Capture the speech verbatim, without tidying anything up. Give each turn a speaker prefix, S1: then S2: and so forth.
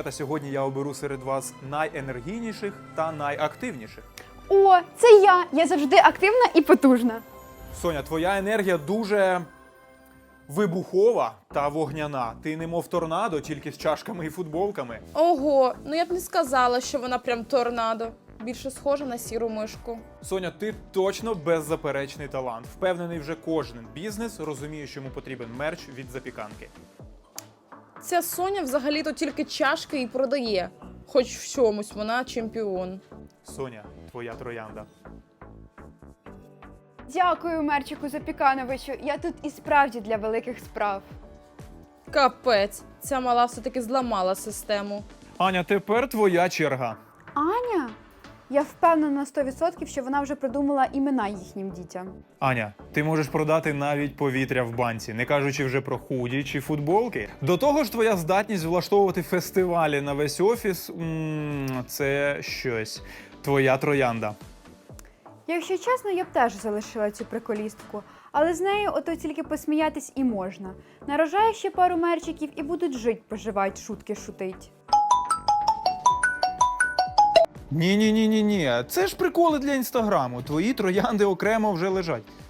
S1: Дівчата, сьогодні я оберу серед вас найенергійніших та найактивніших.
S2: О, це я! Я завжди активна і потужна.
S1: Соня, твоя енергія дуже вибухова та вогняна. Ти немов торнадо, тільки з чашками і футболками.
S3: Ого, ну я б не сказала, що вона прям торнадо. Більше схожа на сіру мишку.
S1: Соня, ти точно беззаперечний талант. Впевнений, вже кожен бізнес розуміє, що йому потрібен мерч від запіканки.
S3: Ця Соня взагалі-то тільки чашки і продає. Хоч в чомусь вона чемпіон.
S1: Соня, твоя троянда.
S2: Дякую, Мерчику Запікановичу. Я тут і справді для великих справ.
S3: Капець, ця мала все-таки зламала систему.
S1: Аня, тепер твоя черга.
S2: Аня? Я впевнена на сто відсотків, що вона вже придумала імена їхнім дітям.
S1: Аня, ти можеш продати навіть повітря в банці, не кажучи вже про худі чи футболки. До того ж, твоя здатність влаштовувати фестивалі на весь офіс м- – це щось. Твоя троянда.
S2: Якщо чесно, я б теж залишила цю приколістку. Але з нею ото тільки посміятись і можна. Нарожаю ще пару мерчиків і будуть жить-поживать, шутки шутить.
S1: Ні-ні-ні-ні-ні, це ж приколи для інстаграму. Твої троянди окремо вже лежать.